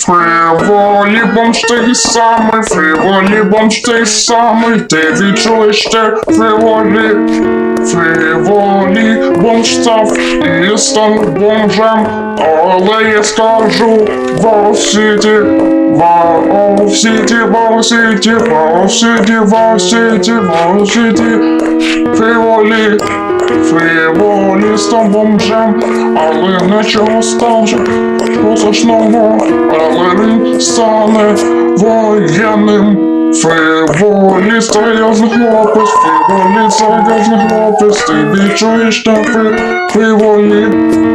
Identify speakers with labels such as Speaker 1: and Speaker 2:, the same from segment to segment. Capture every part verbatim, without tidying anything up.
Speaker 1: Фриволі бомж той самий, фриволі бомж той самий, ти відчуєш те фриволі. Фриволі бомж став і став бомжем, але я скажу Вау-Сіті, Вау-Сіті, Вау-Сіті, Вау-Сіті, Вау-Сіті, Вау-Сіті. Фриволі, фриволі став бомжем, але нічого стаже позначного, але він стане воєнним. Фриволі серйозний хлопець, фриволі серйозний хлопець, ти відчуєш те фри- фриволі.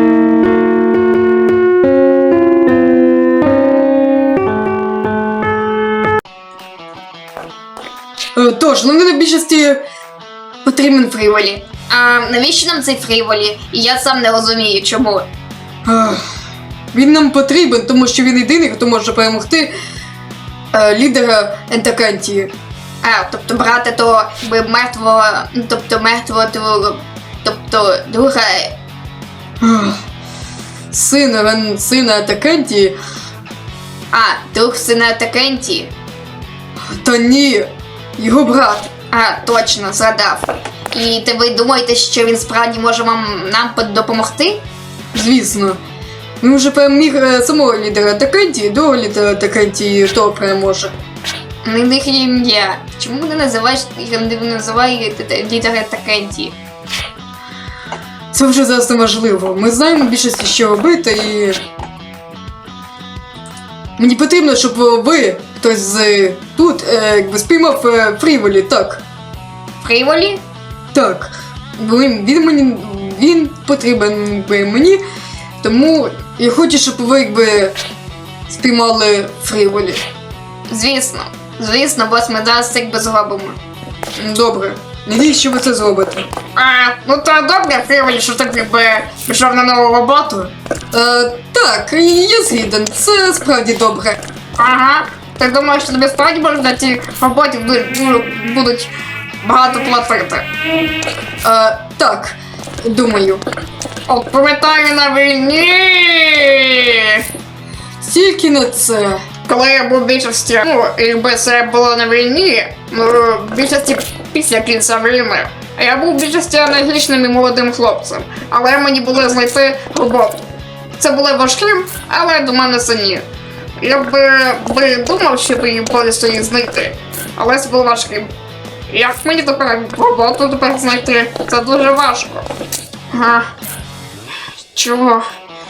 Speaker 2: Е, Тож, ну мені на більшості потрібен фріволі.
Speaker 3: А навіщо нам цей фріволі? І я сам не розумію, чому.
Speaker 2: Ах, Він нам потрібен, тому що він єдиний, хто може перемогти е, лідера Ентакантії.
Speaker 3: А, тобто брати то якби мертвого, ну тобто мертвого другого, тобто друга.
Speaker 2: Ах, Сина, Рен- сина Ентакантії?
Speaker 3: А, друг сина Такенті.
Speaker 2: Та ні, його брат.
Speaker 3: А, точно, згадав. І ти ви думаєте, що він справді може вам нам под- допомогти?
Speaker 2: Звісно. Він вже переміг е, самого лідера Ентакантії, другого лідера Ентакантії, хто переможе.
Speaker 3: Не них є ім'я. Чому не називаєш не називає лідера Такенті?
Speaker 2: Це вже зараз неможливо. Ми знаємо більшості, що робити, і мені потрібно, щоб ви, хтось з тут, е, якби спіймав е, фріволі, так.
Speaker 3: Фріволі?
Speaker 2: Так. Він, він мені він потрібен якби, мені, тому я хочу, щоб ви якби спіймали фріволі.
Speaker 3: Звісно. Звісно, бос ми зараз це якби зробимо.
Speaker 2: Добре. Надіюсь, що ви це зробите.
Speaker 3: А, ну то добре, Фріволі, що ти якби пішов на нову роботу.
Speaker 2: Е, так, я згіден. Це справді добре.
Speaker 3: Ага. Ти думаєш, що тобі справді можна на цій роботі бу- будуть багато платити?
Speaker 2: Е, так, думаю.
Speaker 3: От пам'ятаю на війні.
Speaker 2: Тільки на це.
Speaker 3: Коли я був в більшості, ну, якби це було на війні, ну, в більшості після кінця війни. А я був в більшості енергічним і молодим хлопцем, але мені було знайти роботу. Це було важким, але до мене це ні. Я би, би думав, що би її повністю її знайти, але це було важким. Як мені тепер роботу тепер знайти? Це дуже важко. Ага. Чого?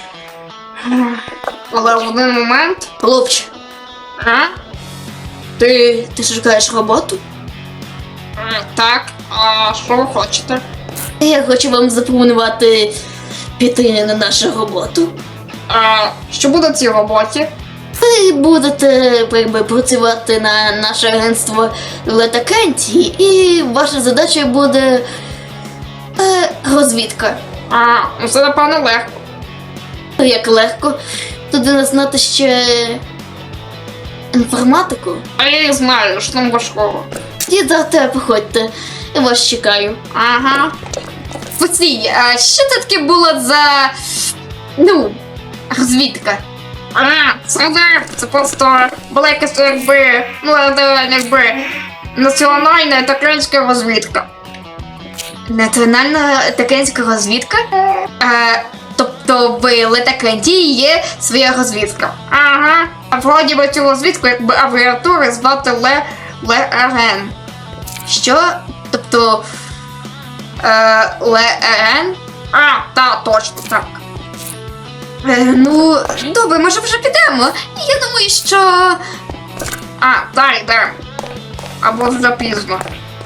Speaker 3: Але в один момент...
Speaker 4: Хлопче,
Speaker 3: А?
Speaker 4: ти, ти шукаєш роботу?
Speaker 3: Е, Так, а що ви хочете?
Speaker 4: Я хочу вам запропонувати піти на нашу роботу.
Speaker 3: А, що буде в цій роботі?
Speaker 4: Ви будете якби, працювати на наше агентство Летакенті, і ваша задача буде е, розвідка.
Speaker 3: А, ну це напевно легко.
Speaker 4: Як легко туди знати ще інформатику.
Speaker 3: А я і знаю, що там важкого.
Speaker 4: І завтра приходьте, я вас чекаю.
Speaker 3: Ага. Постій, а що це таке було за. Ну, розвідка? А, це не, це просто була якась якби, ну, е, якби, національна такенська розвідка.
Speaker 2: Національна такенська розвідка?
Speaker 3: Е,
Speaker 2: Тобто в Летакенті є своя розвідка.
Speaker 3: Ага. А вроді би цю розвідку, якби абревіатури звати Ле ЛРН.
Speaker 2: Що? Тобто е, ЛРН?
Speaker 3: А, та, точно, так.
Speaker 2: Е, ну, добре, може вже підемо. Я думаю, що.
Speaker 3: А, та йдемо. Або вже пізно.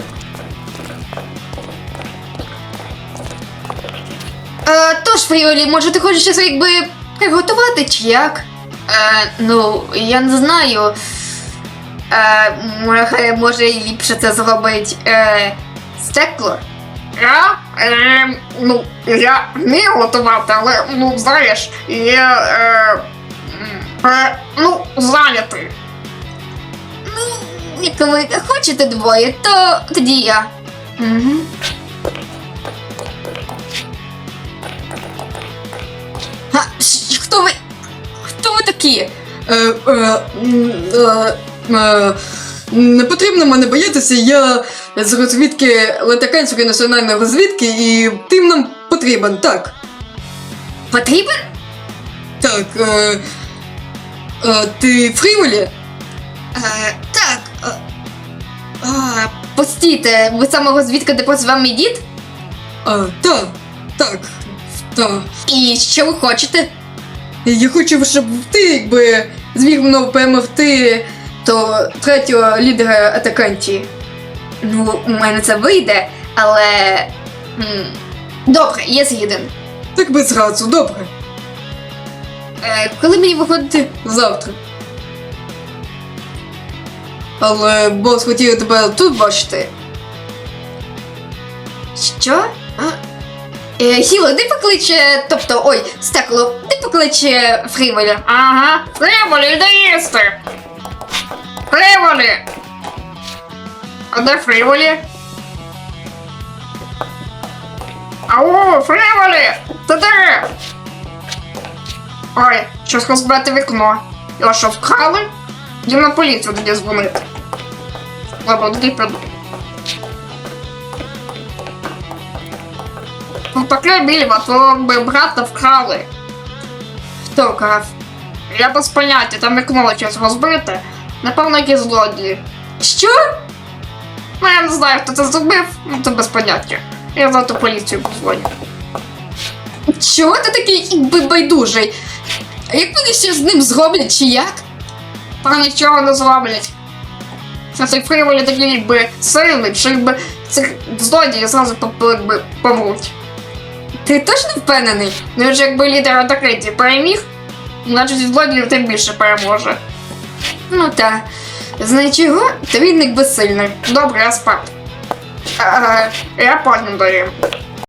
Speaker 2: Е, тож, Фріолі, може ти хочеш щось якби приготувати чи як? Е, ну, я не знаю. Е, може, може ліпше це зробить е, стекло?
Speaker 3: Я? Е, ну, я вмію готувати, але, ну, знаєш, я, е, м, е, ну, зайнятий.
Speaker 2: Ну, як ви хочете двоє, то тоді я. Угу. А, ш- хто ви? Хто ви такі?
Speaker 5: Е, е, м, е, е, не потрібно мене боятися, я з розвідки Латаканської національної розвідки і тим нам потрібен, так.
Speaker 2: Потрібен?
Speaker 5: Так, е, е, ти Фріволі?
Speaker 2: Е, так. Е, а, постійте, ви саме розвідка, де працював мій дід?
Speaker 5: А, так, так, так.
Speaker 2: І що ви хочете?
Speaker 5: Я хочу, щоб ти, якби, зміг мною перемогти то третього лідера атакантії.
Speaker 2: Ну, у мене це вийде, але. м, Добре, я згіден.
Speaker 5: Так без разу, добре.
Speaker 2: Е, коли мені виходити?
Speaker 5: Завтра. Але бос хотів тебе тут бачити.
Speaker 2: Що? А? Е, Гіло, ти покличе. Тобто, ой, Стекло, ти покличе Фріволя.
Speaker 3: Ага. Фріволі, де їсти? Фріволі! А де Фріволі? Ау, Фріволі! Ти де? Ой, щось розбити вікно. Його що, вкрали? Йдемо на поліцію тоді дзвонити. Добре, тоді піду. Ну таке більва, твого би брата вкрали.
Speaker 2: Хто крав?
Speaker 3: Я без поняття, там вікно щось розбите. Напевно, якісь злодії.
Speaker 2: Що?
Speaker 3: Ну я не знаю, хто це зробив, ну це без поняття. Я завтра поліцію позвоню.
Speaker 2: Чого ти такий якби байдужий? А як вони ще з ним зроблять, чи як?
Speaker 3: Та нічого не зроблять. Це цей Фріволі такий якби сильний, що якби цих злодіїв зразу поп- якби помруть.
Speaker 2: Ти точно впевнений?
Speaker 3: Ну він же якби лідер атакантів переміг, значить злодіїв тим більше переможе.
Speaker 2: Ну та. Знаєш чого? Та він якби сильний.
Speaker 3: Добре, я спати.
Speaker 2: А,
Speaker 3: Я потім даю.